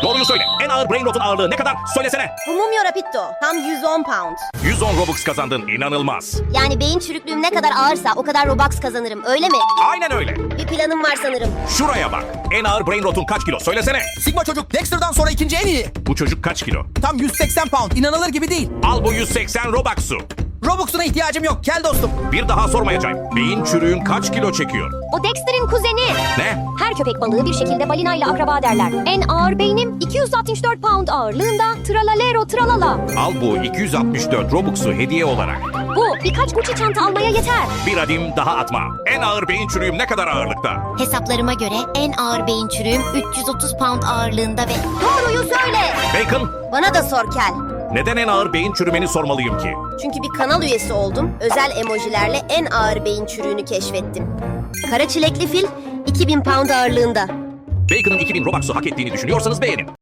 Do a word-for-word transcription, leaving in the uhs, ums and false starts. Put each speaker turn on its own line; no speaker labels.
Doğruyu söyle. En ağır brain rot'un ağırlığı ne kadar? Söylesene.
Bu mumyo rapiddo. Tam yüz on pound.
yüz on Robux kazandın. İnanılmaz.
Yani beyin çürüklüğüm ne kadar ağırsa o kadar Robux kazanırım, öyle mi?
Aynen öyle.
Bir planım var sanırım.
Şuraya bak. En ağır brain rot'un kaç kilo? Söylesene.
Sigma çocuk Dexter'dan sonra ikinci en iyi.
Bu çocuk kaç kilo?
Tam yüz seksen pound. İnanılır gibi değil.
Al bu yüz seksen Robux'u.
Robux'una ihtiyacım yok. Kel dostum.
Bir daha sormayacağım. Beyin çürüğün kaç kilo çekiyor?
O Dexter'in kuzeni.
Ne?
Her köpek balığı bir şekilde balinayla akraba derler. En ağır beynim iki yüz altmış dört pound ağırlığında tralalero tralala.
Al bu iki yüz altmış dört Robux'u hediye olarak.
Bu birkaç Gucci çanta almaya yeter.
Bir adım daha atma. En ağır beyin çürüğüm ne kadar ağırlıkta?
Hesaplarıma göre en ağır beyin çürüğüm üç yüz otuz pound ağırlığında ve... Doğruyu söyle!
Bacon,
Bana da sor Kel.
neden en ağır beyin çürümeni sormalıyım ki?
Çünkü bir kanal üyesi oldum. Özel emojilerle en ağır beyin çürüğünü keşfettim. Kara çilekli fil iki bin pound ağırlığında.
Bacon'ın iki bin Robux'u hak ettiğini düşünüyorsanız beğenin.